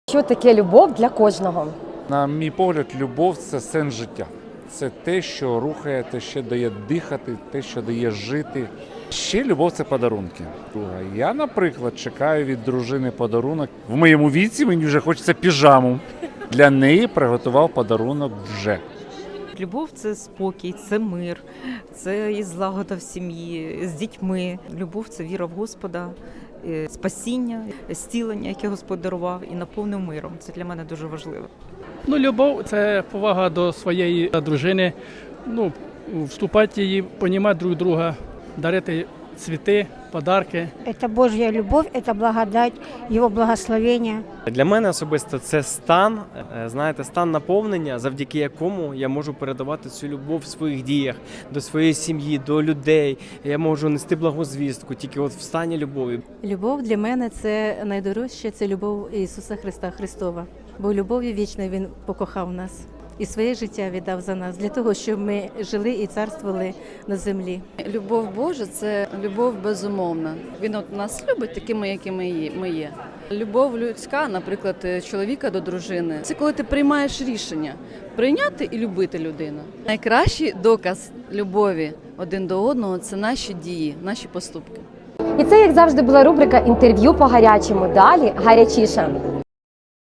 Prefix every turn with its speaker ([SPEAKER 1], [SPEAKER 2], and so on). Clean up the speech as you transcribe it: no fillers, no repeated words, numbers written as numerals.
[SPEAKER 1] Що таке любов для кожного?
[SPEAKER 2] На мій погляд, любов – це сенс життя. Це те, що рухає, те, що дає дихати, те, що дає жити. Ще любов – це подарунки. Я, наприклад, чекаю від дружини подарунок. В моєму віці мені вже хочеться піжаму. Для неї приготував подарунок вже.
[SPEAKER 3] Любов – це спокій, це мир, це і злагода в сім'ї, з дітьми. Любов – це віра в Господа, спасіння, зцілення, яке Господь дарував, і наповнив миром. Це для мене дуже важливо.
[SPEAKER 4] Любов – це повага до своєї дружини, вступати її, розуміти друг друга, дарити цвіти, подарки.
[SPEAKER 5] Это Божья любовь, это благодать, Его благословення.
[SPEAKER 6] Для мене особисто це стан, стан наповнення, завдяки якому я можу передавати цю любов в своїх діях, до своєї сім'ї, до людей. Я можу нести благозвістку тільки в стані любові.
[SPEAKER 7] Любов для мене – це найдорожче, це любов Ісуса Христа Христова. Бо любов'ю вічною Він покохав нас і своє життя віддав за нас, для того, щоб ми жили і царствували на землі.
[SPEAKER 8] Любов Божа – це любов безумовна. Він нас любить такими, якими ми є. Любов людська, наприклад, чоловіка до дружини – це коли ти приймаєш рішення прийняти і любити людину. Найкращий доказ любові один до одного – це наші дії, наші поступки.
[SPEAKER 1] І це, як завжди, була рубрика «Інтерв'ю по гарячому». Далі гарячіше.